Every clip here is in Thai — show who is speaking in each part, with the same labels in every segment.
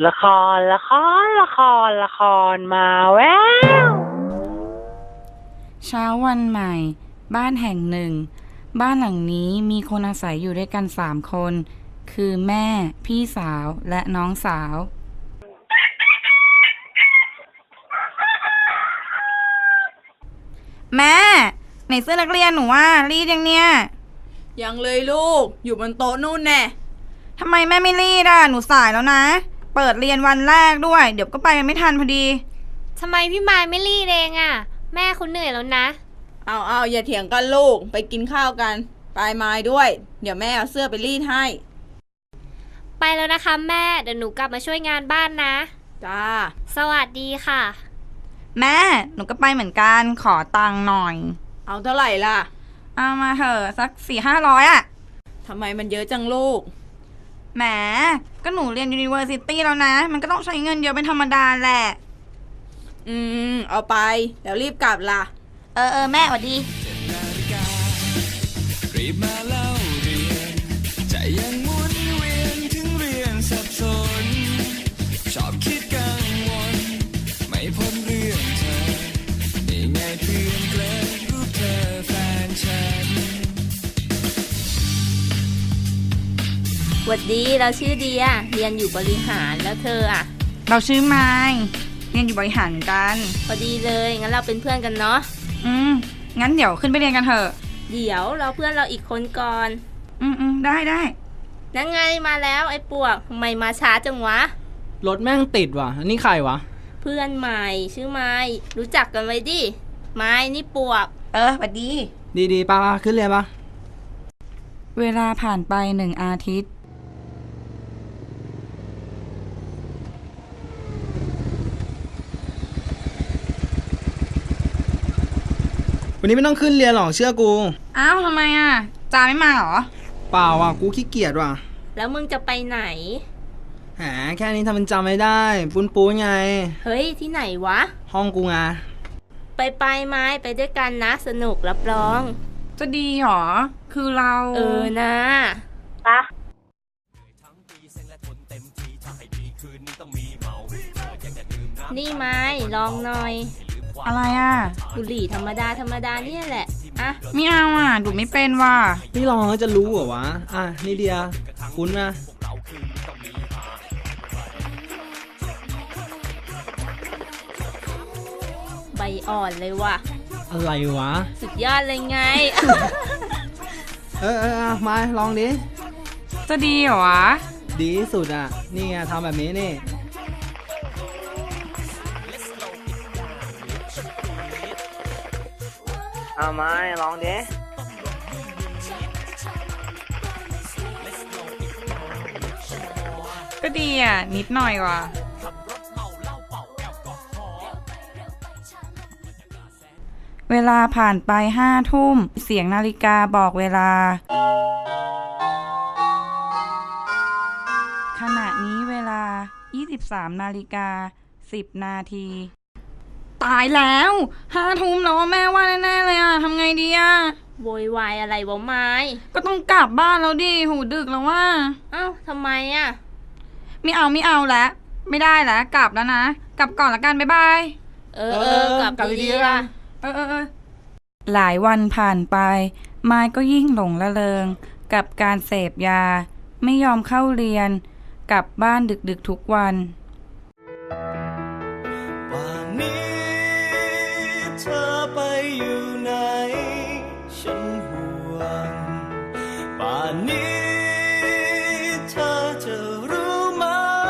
Speaker 1: ละครละครละครละครมาแวว
Speaker 2: เช้าวันใหม่บ้านแห่งหนึ่งบ้านหลังนี้มีคนอาศัยอยู่ด้วยกัน3 คนคือแม่พี่สาวและน้องสาวแม่ไหนเสื้อนักเรียนหนูว่ารีดยังเนี่ย
Speaker 3: ยังเลยลูกอยู่บนโต๊ะนู่นแน่
Speaker 2: ทำไมแม่ไม่รีดหนูสายแล้วนะเปิดเรียนวันแรกด้วยเดี๋ยวก็ไปกันไม่ทันพอดี
Speaker 4: ทำไมพี่มายไม่รีดเองแม่คุณเหนื่อยแล้วนะ
Speaker 3: เอาอย่าเถียงกันลูกไปกินข้าวกันไปไม้ด้วยเดี๋ยวแม่เอาเสื้อไปรีดให้
Speaker 4: ไปแล้วนะคะแม่เดี๋ยวหนูกลับมาช่วยงานบ้านนะ
Speaker 3: จ้า
Speaker 4: สวัสดีค่ะ
Speaker 2: แม่หนูก็ไปเหมือนกันขอตังค์หน่อย
Speaker 3: เอาเท่าไหร่ล่ะ
Speaker 2: เอามาเถอะสัก400-500
Speaker 3: ทำไมมันเยอะจังลูก
Speaker 2: แหมก็หนูเรียน University แล้วนะมันก็ต้องใช้เงินเยอะเป็นธรรมดาแหละ
Speaker 3: เอาไปแล้วรีบกลับล่ะ
Speaker 2: แม่สวัสดี
Speaker 5: รีบมาเล่าเรียนใจยังหมุนเวียนถึงเรียนสับสนชอบคิดกังวลไม่พ้นเรื่องเธอนี่ไงเพื่อนเกลอรูปเธอแฟนฉัน
Speaker 4: สวัสดีเราชื่อเดียเรียนอยู่บริหารแล้วเธอ
Speaker 2: เราชื่อไมค์เรียนอยู่บริหารเหมือนกัน
Speaker 4: พอดีเลยงั้นเราเป็นเพื่อนกันเนาะ
Speaker 2: งั้นเดี๋ยวขึ้นไปเรียนกันเถอะ
Speaker 4: เดี๋ยวเราเพื่อนเราอีกคนก่อน
Speaker 2: ได้
Speaker 4: นั่นไงมาแล้วไอ้ปวกทำไมมาช้าจังวะ
Speaker 6: รถแม่งติดว่ะอันนี้ใครวะ
Speaker 4: เพื่อนใหม่ชื่อไม้รู้จักกันไว้ดิไม้นี่ปวก
Speaker 2: สวัสดี
Speaker 6: ดีป้าขึ้นเรียนปะ
Speaker 2: เวลาผ่านไป1 อาทิตย์
Speaker 6: วันนี้ไม่ต้องขึ้นเรียนหรอกเชื่อกู
Speaker 2: อ้าวทำไมจาไม่มาหรอ
Speaker 6: เปล่าว่ะกูขี้เกียจว่ะ
Speaker 4: แล้วมึงจะไปไหน
Speaker 6: แค่นี้ทำมันจำไม่ได้ปูนไง
Speaker 4: เฮ้ยที่ไหนวะ
Speaker 6: ห้องกูไง
Speaker 4: ไปไม้ไปด้วยกันนะสนุกรับรอง
Speaker 2: จะดีหรอคือเรา
Speaker 4: นะ
Speaker 1: ปะ
Speaker 4: นี่ไม้ลองหน่อย
Speaker 2: อะไร
Speaker 4: บุหรี่ธรรมดาเนี่ยแหละ
Speaker 2: ไม่เอาดูไม่เป็นว่ะ
Speaker 6: นี่ลองจะรู้เหรอวะนี่เดียคุ้นนะ
Speaker 4: ใบอ่อนเลยว่ะ
Speaker 6: อะไรวะ
Speaker 4: สุดยอดเลยไง
Speaker 6: มาลองดิ
Speaker 2: จะดีเหรอวะ
Speaker 6: ดีที่สุดนี่ไงทำแบบนี้นี่
Speaker 1: เอามาลองดิ
Speaker 2: ก็ดีนิดหน่อยว่ะเวลาผ่านไป5 ทุ่มเสียงนาฬิกาบอกเวลาขณะนี้เวลา 23:10 นาทีตายแล้ว5 ทุ่มแล้วแม่ว่าแน่ๆเลยทำไงดี
Speaker 4: โวยวายอะไรวะไม้
Speaker 2: ก็ต้องกลับบ้านแล้วดิหูดึกแล้วว่า
Speaker 4: ทำไม
Speaker 2: ไม่เอาแล้วไม่ได้แล้วกลับแล้วนะกลับก่อนละกันบ๊ายบาย
Speaker 4: กลับดีๆล่ะ
Speaker 2: หลายวันผ่านไปไม้ก็ยิ่งหลงละเริงกับการเสพยาไม่ยอมเข้าเรียนกลับบ้านดึกๆทุกวัน
Speaker 5: ป่านนี้เธอไปอยู่ไหนฉันห่วงป่านนี้เธอจะรู้ไหม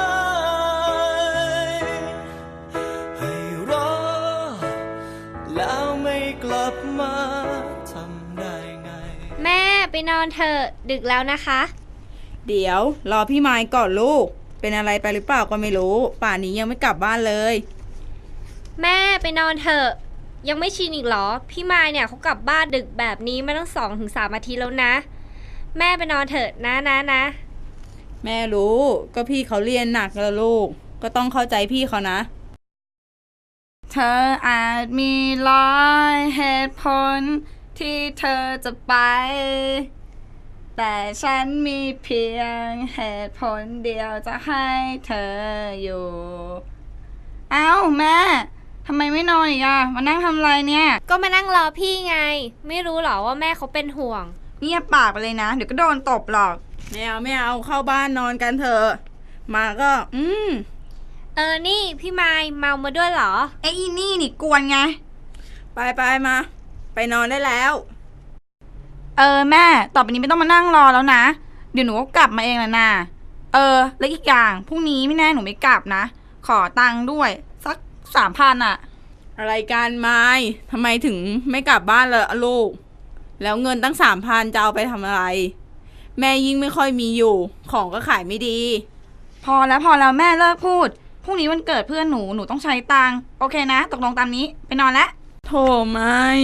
Speaker 5: ให้รอแล้วไม่กลับมาทำได้ไง
Speaker 4: แม่ไปนอนเถอะดึกแล้วนะคะ
Speaker 3: เดี๋ยวรอพี่ไม้ก่อนลูกเป็นอะไรไปหรือเปล่าก็ไม่รู้ป่านนี้ยังไม่กลับบ้านเลย
Speaker 4: แม่ไปนอนเถอะยังไม่ชินอีกเหรอพี่มายเนี่ยเขากลับบ้านดึกแบบนี้มาตั้ง2-3 อาทิตย์แล้วนะแม่ไปนอนเถอะนะ
Speaker 3: แม่รู้ก็พี่เขาเรียนหนักแล้วลูกก็ต้องเข้าใจพี่เขานะ
Speaker 2: เธออาจมี100 เหตุผลที่เธอจะไปแต่ฉันมีเพียงเหตุผลเดียวจะให้เธออยู่ เอ้าแม่ทำไมไม่นอนอีกอะมานั่งทำอะไรเนี่ย
Speaker 4: ก็มานั่งรอพี่ไง ไม่รู้หรอว่าแม่เขาเป็นห่วง
Speaker 2: เงียบปากไปเลยนะ เดี๋ยวก็โดนตบหรอก
Speaker 3: ไม่เอาเข้าบ้านนอนกันเถอะมาก็
Speaker 4: นี่พี่ไม้เมามาด้วยเหรอ
Speaker 2: ไอ้อีนี่นี่กวนไง
Speaker 3: ไปมา ไปนอนได้แล้ว
Speaker 2: แม่ต่อไปนี้ไม่ต้องมานั่งรอแล้วนะ เดี๋ยวหนูก็กลับมาเองแหละนะแล้วอีกอย่างพรุ่งนี้ไม่แน่หนูไม่กลับนะ ขอตังค์ด้วยสัก3,000อะ
Speaker 3: อะไรกันไม้ทำไมถึงไม่กลับบ้านเลยลูก แล้วเงินตั้ง3,000จะเอาไปทำอะไร แม่ยิ่งไม่ค่อยมีอยู่ ของก็ขายไม่ดี
Speaker 2: พอแล้วแม่เลิกพูดพรุ่งนี้วันเกิดเพื่อนหนูต้องใช้ตังค์โอเคนะตกลงตามนี้ไปนอนแล้ว
Speaker 3: โถไม้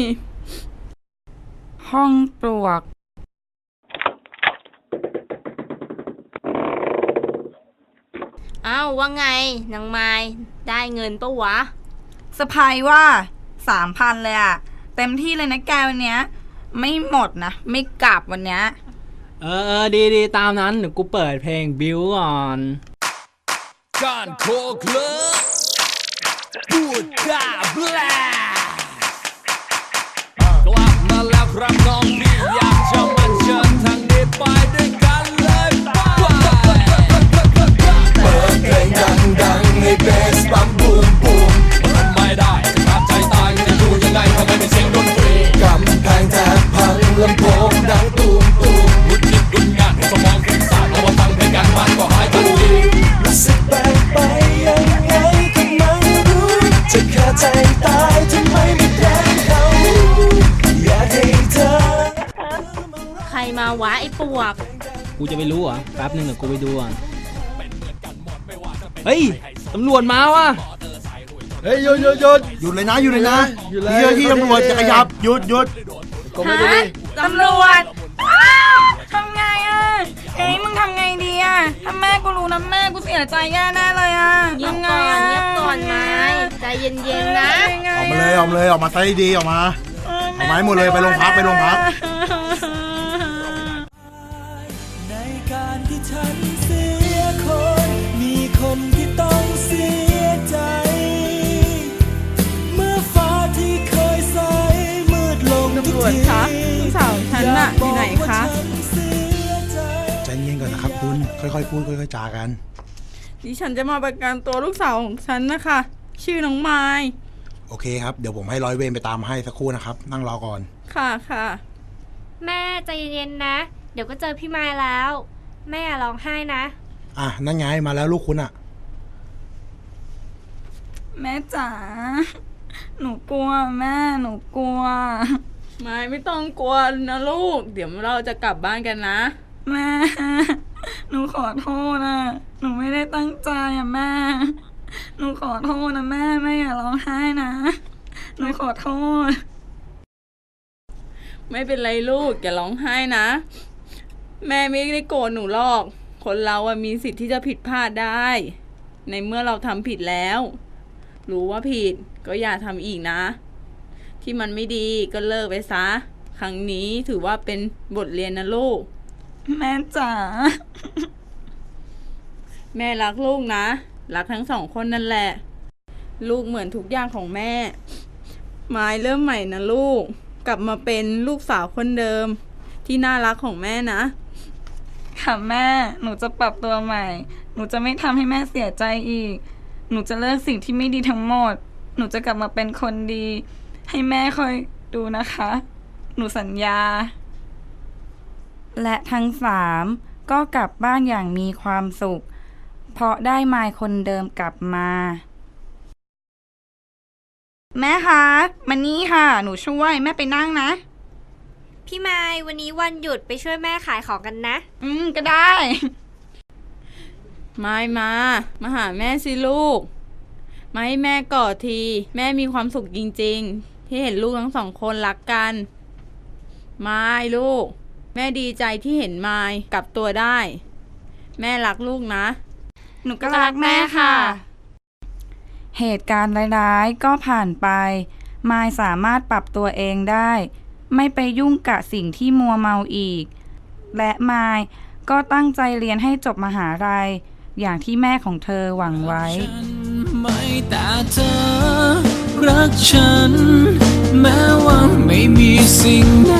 Speaker 2: ห้องปลวก
Speaker 7: อ้าวว่าไงนางไม้ได้เงินปะวะ
Speaker 2: สะพายว่า3,000เลยอะเต็มที่เลยนะแกวันเนี้ยไม่หมดนะไม่กลับวันเนี้ย
Speaker 6: ดีตามนั้นเดี๋ยวกูเปิดเพลงบิวก่อน
Speaker 5: การโคกเลิกพูดจาแบลกลับมาแล้วครับน้องพี่อยากจะมาเชิญทางนี้ไปด้วยกันเลยเปิดเพลงดังๆให้เบสปั๊มบูมบูมมันไม่ได้จะขาดใจตายจะอยู่ยังไงทำไมไม่เสียงดนตรีกำแพงแทบพังลำโพงดังตูมตูมวุดยิดวุดงานสมองฟุ้งซ่านเอามาฟังเพลงกันมันก็หายทันทีรู้สึกแปลกไปยังไงก็ไม่รู้จะขาดใจตายทำไมไม่แกล้งเขาอยากให้เธอ
Speaker 7: ใครมาวะไอ้ปวก
Speaker 6: กูจะไปรู้เหรอแป๊บนึงเดี๋ยวกูไปดูก่อนเฮ้ยตำรวจมาว่ะ
Speaker 8: เฮ้ยหยุดเลยนะหยุดเลยนะเจ้าที่ตำรวจจะขยับหยุด
Speaker 2: ตำรวจทำไงอะมึงทำไงดีอะถ้าแม่กูรู้นะแม่กูเสียใจแย่แน่เลยอะ
Speaker 7: เงียบก่อนไม้ใจเย็นๆนะ
Speaker 8: ออกมาเลยออกมาซะดีๆออกมาเอาไม้หมดเลยไปโรงพัก
Speaker 5: ในการที่ฉันเสียคนมีคนที่ต้องเสียใจ เมื่อฟ้าที่เคยใสมืดลงทุกที
Speaker 3: ตำรวจคะลูกสาวฉันน่ะอยู่ไหนคะ
Speaker 8: ใจเย็นก่อนนะครับคุณค่อยๆพูดค่อยๆจากัน
Speaker 3: ดิฉันจะมาประกันตัวลูกสาวของฉันนะคะชื่อน้องไม้
Speaker 8: โอเคครับเดี๋ยวผมให้ร้อยเวรไปตามให้สักครู่นะครับนั่งรอก่อน
Speaker 3: ค่ะ
Speaker 4: แม่ใจเย็นๆนะ เดี๋ยวก็เจอพี่ไม้แล้ว แม่อย่าร้องไห้นะ
Speaker 8: นั่นไงมาแล้วลูกคุณอะ
Speaker 2: แม่จ๋าหนูกลัวแม่หนูกลัว
Speaker 3: ไม่ต้องกลัวนะลูก เดี๋ยวเราจะกลับบ้านกันนะ
Speaker 2: แม่หนูขอโทษนะหนูไม่ได้ตั้งใจอะแม่หนูขอโทษนะแม่อย่าร้องไห้นะหนูขอโทษ
Speaker 3: ไม่เป็นไรลูกอย่าร้องไห้นะ แม่ไม่ได้โกรธหนูหรอก คนเราอะมีสิทธิ์ที่จะผิดพลาดได้ ในเมื่อเราทำผิดแล้ว รู้ว่าผิดก็อย่าทำอีกนะ ที่มันไม่ดีก็เลิกไปซะ ครั้งนี้ถือว่าเป็นบทเรียนนะลูก
Speaker 2: แม่จ๋า
Speaker 3: แม่รักลูกนะ รักทั้งสองคนนั่นแหละ ลูกเหมือนทุกอย่างของแม่ ไม้เริ่มใหม่นะลูก กลับมาเป็นลูกสาวคนเดิม ที่น่ารักของแม่นะ
Speaker 2: ค่ะแม่หนูจะปรับตัวใหม่หนูจะไม่ทำให้แม่เสียใจอีกหนูจะเลิกสิ่งที่ไม่ดีทั้งหมดหนูจะกลับมาเป็นคนดี ให้แม่คอยดูนะคะหนูสัญญา และทั้ง3ก็กลับบ้านอย่างมีความสุขเพราะได้มายคนเดิมกลับมาแม่คะมานี่ค่ะหนูช่วยแม่ไปนั่งนะ
Speaker 4: พี่ไม้วันนี้วันหยุดไปช่วยแม่ขายของกันนะ
Speaker 2: ก็ได้
Speaker 3: มาหาแม่สิลูก มาให้แม่กอดที แม่มีความสุขจริงๆ ที่เห็นลูกทั้งสองคนรักกันลูก แม่ดีใจที่เห็นมายกลับตัวได้ แม่รักลูกนะ
Speaker 2: หนูก็รักแม่ค่ะ เหตุการณ์ร้ายๆก็ผ่านไปมายสามารถปรับตัวเองได้ไม่ไปยุ่งกับสิ่งที่มัวเมาอีกและมายก็ตั้งใจเรียนให้จบมหาลัยอย่างที่แม่ของเธอหวังไว้
Speaker 5: ไม่แต่เธอรักฉันแม้ว่าไม่มีสิ่งไหน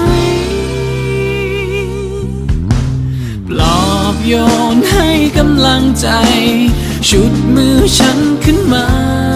Speaker 5: ปลอบโยนให้กำลังใจชุดมือฉันขึ้นมา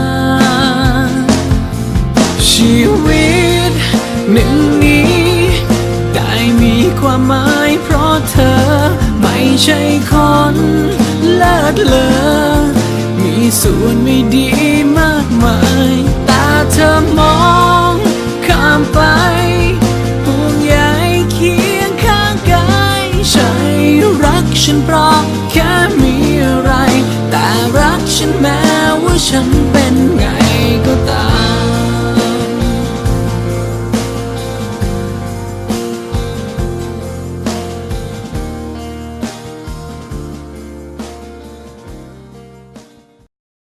Speaker 5: ชีวิตหนึ่งนี้ได้มีความหมายเพราะเธอไม่ใช่คนเลิศเลอมีส่วนไม่ดีมากมายแต่เธอมองข้ามไปห่วงใยเคียงข้างกายใช่รักฉันเพราะแค่มีอะไรแต่รักฉันแม้ว่าฉันเป็นไงก็ตาม